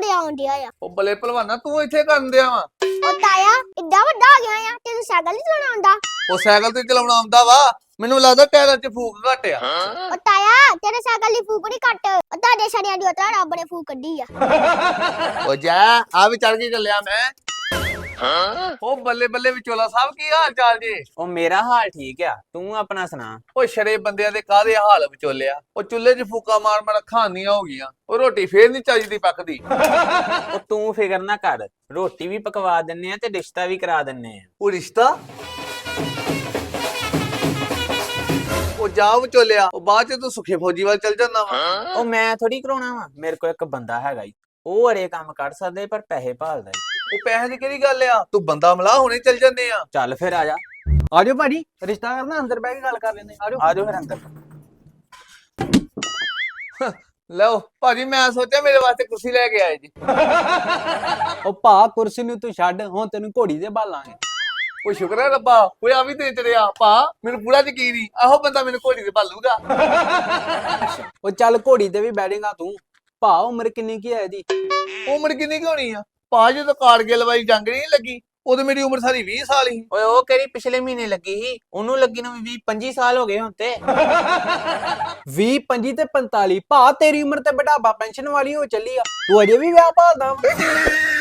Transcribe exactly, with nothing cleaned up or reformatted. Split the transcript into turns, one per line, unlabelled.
ਮਜ਼ਾ ਆਉਂਦਿਆ ਆ।
ਉਹ ਬੱਲੇ ਭਲਵਾਨਾ ਤੂੰ ਇੱਥੇ ਕਰਨ ਦਿਆ ਵਾ?
ਉਹ ਤਾਇਆ ਇੱਡਾ ਵੱਡਾ ਹੋ ਗਿਆ ਆ ਤੈਨੂੰ ਸਾਈਕਲ ਨਹੀਂ ਚਲਾਉਣਾ ਆਉਂਦਾ?
ਉਹ ਸਾਈਕਲ ਤੇ ਚਲਾਉਣਾ ਆਉਂਦਾ ਵਾ, ਮੈਨੂੰ ਲੱਗਦਾ ਟਾਇਰਾਂ 'ਚ ਫੂਕ ਘੱਟ ਆ।
ਉਹ ਤਾਇਆ ਤੇਰੇ ਸਾਈਕਲ ਦੀ ਫੂਕ ਨਹੀਂ ਕੱਟ, ਉਹ ਤੁਹਾਡੇ ਸ਼ਰੀਆਂ ਦੀ ਉਤਰਾ ਰੱਬ ਨੇ ਫੂਕ ਕੱਢੀ ਆ।
ਉਹ ਜਾ ਆ ਵੀ ਚੜ ਕੇ ਚੱਲਿਆ ਮੈਂ। ਉਹ ਬੱਲੇ ਬੱਲੇ ਵਿਚੋਲਾ ਸਾਹਿਬ ਕੀ ਹਾਲ ਚਾਲ ਜੀ?
ਉਹ ਮੇਰਾ ਹਾਲ ਠੀਕ ਆ, ਤੂੰ ਆਪਣਾ ਸੁਣਾ।
ਉਹ ਸ਼ਰੇ ਬੰਦਿਆਂ ਦੇ ਕਾਹਦੇ ਹਾਲ ਵਿਚੋਲਿਆ, ਉਹ ਚੁੱਲ੍ਹੇ 'ਚ ਫੂਕਾ ਮਾਰ ਮਾਰ ਖਾਣੀਆਂ ਹੋ ਗਈਆਂ, ਉਹ ਰੋਟੀ ਫੇਰ ਨਹੀਂ ਚੱਜਦੀ ਪੱਕਦੀ।
ਉਹ ਤੂੰ ਫਿਕਰ ਨਾ ਕਰ, ਰੋਟੀ ਵੀ ਪਕਵਾ ਦਿੰਨੇ ਆ ਤੇ ਰਿਸ਼ਤਾ ਵੀ ਕਰਾ ਦਿੰਨੇ ਆ।
ਉਹ ਰਿਸ਼ਤਾ? ਉਹ ਜਾ ਵਿਚੋਲਿਆ, ਉਹ ਬਾਅਦ 'ਚ ਤੂੰ ਸੁਖੇ ਫੌਜੀ ਵੱਲ ਚੱਲ ਜਾਂਦਾ ਵਾ।
ਉਹ ਮੈਂ ਥੋੜੀ ਕਰਾਉਣਾ ਵਾ, ਮੇਰੇ ਕੋਲ ਇੱਕ ਬੰਦਾ ਹੈਗਾ ਈ, ਉਹ ਅਰੇ ਕੰਮ ਕਰ ਸਕਦੇ ਪਰ ਪੈਸੇ ਭਾਲਦਾ ਈ।
ਉਹ ਪੈਸੇ ਦੀ ਕਿਹੜੀ ਗੱਲ ਆ, ਤੂੰ ਬੰਦਾ ਮਿਲਾ ਹੁਣੇ ਚੱਲ ਜੰਨੇ ਆ।
ਚੱਲ ਫਿਰ ਆ ਜਾ।
ਆਜੋ ਭਾਜੀ, ਰਿਸ਼ਤਾ ਕਰਨਾ ਅੰਦਰ ਬਹਿ ਕੇ ਗੱਲ ਕਰ ਲੈਂਦੇ। ਆਜੋ
ਆ ਜਾਓ ਫਿਰ ਅੰਦਰ।
ਲਓ ਭਾਜੀ, ਮੈਂ ਸੋਚਿਆ ਮੇਰੇ ਵਾਸਤੇ ਕੁਰਸੀ ਲੈ ਕੇ ਆਏ ਜੀ।
ਉਹ ਭਾ ਕੁਰਸੀ ਨੂੰ ਤੂੰ ਛੱਡ, ਹੁਣ ਤੈਨੂੰ ਘੋੜੀ ਦੇ ਭਾਲਾਂਗੇ।
ਉਹ ਸ਼ੁਕਰ ਹੈ ਰੱਬਾ, ਓਏ ਆ ਵੀ ਤੇ ਚੜਿਆ ਭਾ, ਮੈਨੂੰ ਪੂਰਾ ਯਕੀਨ ਹੀ ਆਹੋ ਬੰਦਾ ਮੈਨੂੰ ਘੋੜੀ ਤੇ ਭਾਲੂਗਾ।
ਉਹ ਚੱਲ ਘੋੜੀ ਤੇ ਵੀ ਬੈਠੇਗਾ ਤੂੰ। ਭਾ ਉਮਰ ਕਿੰਨੀ ਕੀ ਹੈ ਇਹਦੀ?
ਉਮਰ ਕਿੰਨੀ ਕੁ ਹੋਣੀ ਆ ਭਾ? ਜਦੋਂ ਕਾਰਗਿਲ ਵਾਲੀ ਜੰਗ ਨਹੀਂ ਲੱਗੀ ਉਦੋਂ ਮੇਰੀ ਉਮਰ ਸਾਰੀ ਵੀਹ ਸਾਲ ਹੀ।
ਓਏ ਉਹ ਕਿਹੜੀ ਪਿਛਲੇ ਮਹੀਨੇ ਲੱਗੀ ਸੀ, ਉਹਨੂੰ ਲੱਗੀ ਨੂੰ ਵੀਹ ਪੱਚੀ ਸਾਲ ਹੋ ਗਏ ਹੁਣ ਤੇ।
ਵੀਹ ਪੰਜੀ ਤੇ ਪੰਤਾਲੀ। ਭਾ ਤੇਰੀ ਉਮਰ ਤੇ ਬੁਢਾਪਾ ਪੈਨਸ਼ਨ ਵਾਲੀ ਹੋ ਚੱਲੀ ਆ, ਤੂੰ ਅਜੇ ਵੀ ਵਿਆਹ ਭਾਲਦਾ ਵਾ?